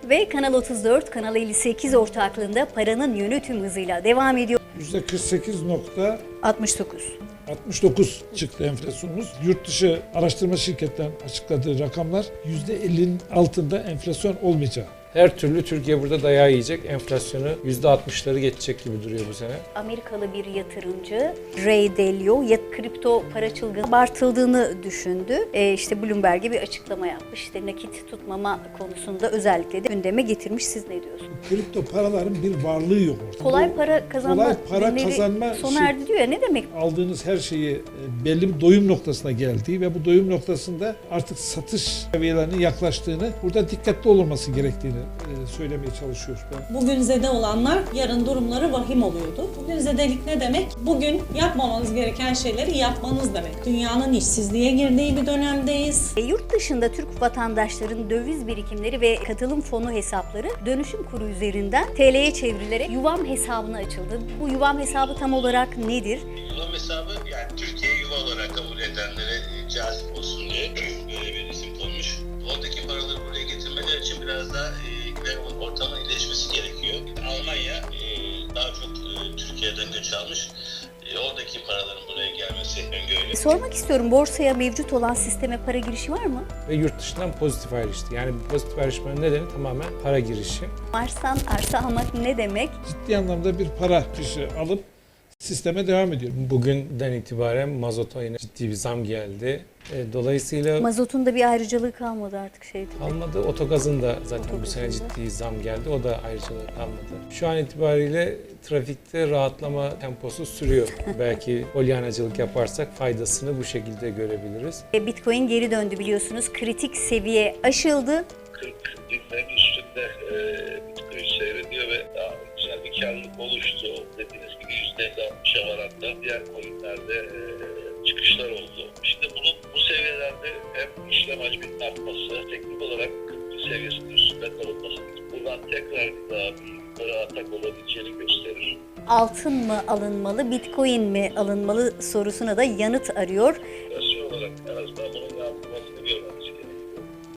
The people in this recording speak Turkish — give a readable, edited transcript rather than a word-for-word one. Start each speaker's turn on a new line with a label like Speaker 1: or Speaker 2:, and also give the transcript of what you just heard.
Speaker 1: ve Kanal 34, Kanal 58 ortaklığında paranın yönü tüm hızıyla devam ediyor.
Speaker 2: %48,69
Speaker 1: 69.
Speaker 2: çıktı enflasyonumuz. Yurt dışı araştırma şirketlerinin açıkladığı rakamlar %50'nin altında enflasyon olmayacağı.
Speaker 3: Her türlü Türkiye burada dayağı yiyecek. Enflasyonu %60'ları geçecek gibi duruyor bu sene.
Speaker 1: Amerikalı bir yatırımcı Ray Dalio kripto para çılgını abartıldığını düşündü. İşte Bloomberg'e bir açıklama yapmış. İşte nakit tutmama konusunda özellikle de gündeme getirmiş. Siz ne diyorsunuz?
Speaker 2: Kripto paraların bir varlığı yok ortada.
Speaker 1: Kolay para kazanma
Speaker 2: kolay para
Speaker 1: günleri
Speaker 2: kazanma
Speaker 1: sona erdi diyor ya, ne demek?
Speaker 2: Aldığınız her şeyi belli bir doyum noktasına geldiği ve bu doyum noktasında artık satış seviyelerinin yaklaştığını, burada dikkatli olunması gerektiğini söylemeye çalışıyoruz.
Speaker 4: Bugün zede olanlar yarın durumları vahim oluyordu. Bugün zedelik ne demek? Bugün yapmamanız gereken şeyleri yapmanız demek. Dünyanın işsizliğe girdiği bir dönemdeyiz.
Speaker 1: Yurt dışında Türk vatandaşların döviz birikimleri ve katılım fonu hesapları dönüşüm kuru üzerinden TL'ye çevrilerek Yuvam hesabına açıldı. Bu Yuvam hesabı tam olarak nedir?
Speaker 5: Yuvam hesabı, yani Türkiye yuva olarak kabul edenlere cazip olsun diye böyle bir isim konmuş. Oradaki paraları buraya getirmeleri için biraz daha ortamın iyileşmesi gerekiyor. Almanya daha çok Türkiye'den göç almış. Oradaki paraların buraya gelmesi öngörülüyor.
Speaker 1: Sormak istiyorum, borsaya mevcut olan sisteme para girişi var mı?
Speaker 3: Ve yurt dışından pozitif ayrıştı. Yani bu pozitif ayrışmanın nedeni tamamen para girişi.
Speaker 1: Mars'tan arsa almak ne demek?
Speaker 2: Ciddi anlamda bir para akışı alıp sisteme devam ediyor.
Speaker 3: Bugünden itibaren mazota yine ciddi bir zam geldi. Dolayısıyla
Speaker 1: Mazotun da bir ayrıcalığı kalmadı artık şeydi.
Speaker 3: kalmadı. Otogazın da zaten bu sene ciddi zam geldi. O da ayrıcalığı kalmadı. Şu an itibariyle trafikte rahatlama temposu sürüyor. Belki polyanacılık yaparsak faydasını bu şekilde görebiliriz.
Speaker 1: Bitcoin geri döndü biliyorsunuz. Kritik seviye aşıldı.
Speaker 5: 40 binlerin üstünde Bitcoin seyrediyor ve daha güzel bir karlılık oluştu. Dediğiniz gibi %50-60'a varan da diğer coinlerde çıkışlar oldu. İşte bu seviyelerde hem işlem hacminin artması, teknik olarak 40 seviyesinin üstünde kalınması, buradan tekrar daha bir yukarı atak olabileceğini gösterir.
Speaker 1: Altın mı alınmalı, Bitcoin mi alınmalı sorusuna da yanıt arıyor.
Speaker 5: Enflasyon olarak en azından bunun yansıması